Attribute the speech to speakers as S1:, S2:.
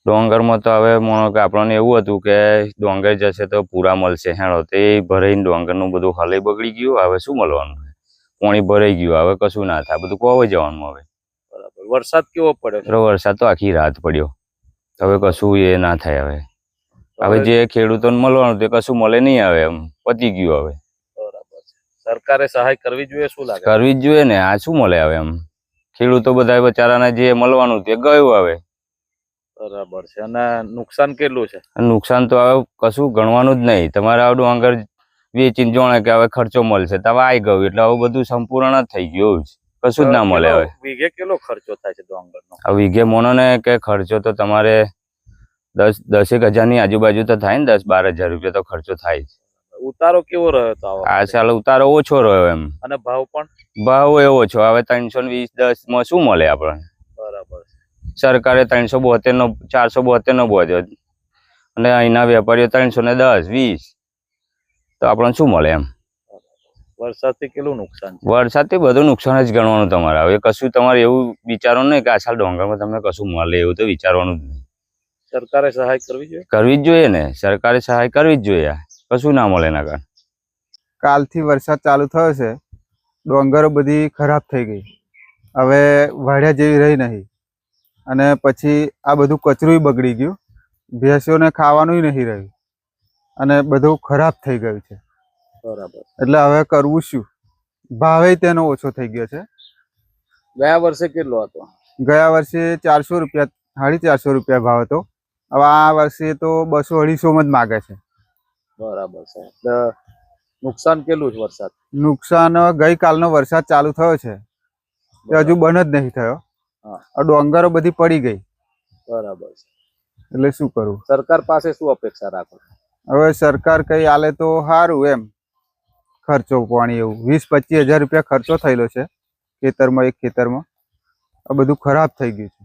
S1: ડોંગરમાં તો હવે માનો કે આપણને એવું હતું કે ડોંગર જશે તો પૂરા મળશે હેડો તે ભરાઈને ડોંગરનું બધું હલે બગડી ગયું હવે શું મળવાનું પાણી ભરાઈ ગયું હવે કશું ના થાય બધું કોવાઈ જવાનું હવે
S2: બરાબર વરસાદ કેવો પડ્યો
S1: વરસાદ તો આખી રાત પડ્યો હવે કશું એ ના થાય હવે જે ખેડૂતોને મળવાનું તે કશું મળે નહીં હવે એમ પતી ગયું હવે
S2: બરાબર સરકારે સહાય કરવી જોઈએ શું લાગે
S1: કરવી જ જોઈએ ને આ શું મળે હવે એમ ખેડૂતો બધા બચારાને જે મળવાનું તે ગયું હવે
S2: બરાબર છે અને નુકસાન કેટલું છે
S1: નુકસાન તો હવે કશું ગણવાનું જ નહીં તમારે આવડું આગળ વેચીને જોણે કે હવે ખર્ચો મળશે તો હવે આવી ગયું એટલે હવે બધું સંપૂર્ણ જ થઈ ગયું કશું જ ના મળે હવે
S2: વીઘે કેટલો ખર્ચો થાય છે ડોંગરનો
S1: હવે વીઘે મોનો ને કે ખર્ચો તો તમારે 10,000 ની આજુબાજુ તો થાય ને 10-12 હજાર રૂપિયા તો ખર્ચો થાય જ
S2: ઉતારો કેવો રહ્યો તો
S1: આ સાલ ઉતારો ઓછો રહ્યો એમ
S2: અને ભાવ પણ
S1: ભાવ એવો ઓછો હવે 320-10 માં શું મળે આપણને
S2: બરાબર
S1: સરકારે 372 નો 472 નો બોધ્યો અને અહીંના વેપારીઓ 310-20 તો આપણને શું મળે એમ
S2: વરસાદથી કેટલું નુકસાન છે
S1: વરસાદથી બધું નુકસાન જ ગણવાનું તમારે હવે કશું તમારે એવું વિચારવાનું નહીં કે આ સાલ ડોંગરમાં તમને કશું મળે એવું તો વિચારવાનું જ નહીં
S2: સરકારે સહાય કરવી જોઈએ
S1: ને સરકારે સહાય કરવી જ જોઈએ કશું ના મળે એના કારણે
S3: કાલથી વરસાદ ચાલુ થયો છે ડોંગરો બધી ખરાબ થઈ ગઈ હવે વાડિયા જેવી રહી નહીં અને પછી આ બધું કચરું બગડી ગયું ભેંસોને ખાવાનું નહીં રહ્યું અને બધું ખરાબ થઈ ગયું છે
S2: બરાબર
S3: એટલે હવે કરવું શું ભાવે તેનો ઓછો થઈ ગયો છે
S2: ગયા વર્ષે કેટલો હતો
S3: ગયા વર્ષે 400 રૂપિયા 450 રૂપિયા ભાવ હતો હવે આ વર્ષે તો 200-250 જ માગે છે
S2: બરાબર છે એટલે નુકસાન કેટલું છે વરસાદ
S3: નુકસાન ગઈકાલનો વરસાદ ચાલુ થયો છે તે હજુ બંધ જ નહીં થયો આ ડોંગરો બધી પડી ગઈ
S2: બરાબર છે
S3: એટલે શું કરવું
S2: સરકાર પાસે શું અપેક્ષા રાખો
S3: હવે સરકાર કઈ આલે તો સારું એમ ખર્ચો પાણી એવું 20-25 હજાર રૂપિયા ખર્ચો થયેલો છે ખેતરમાં એક ખેતરમાં આ બધું ખરાબ થઈ ગયું છે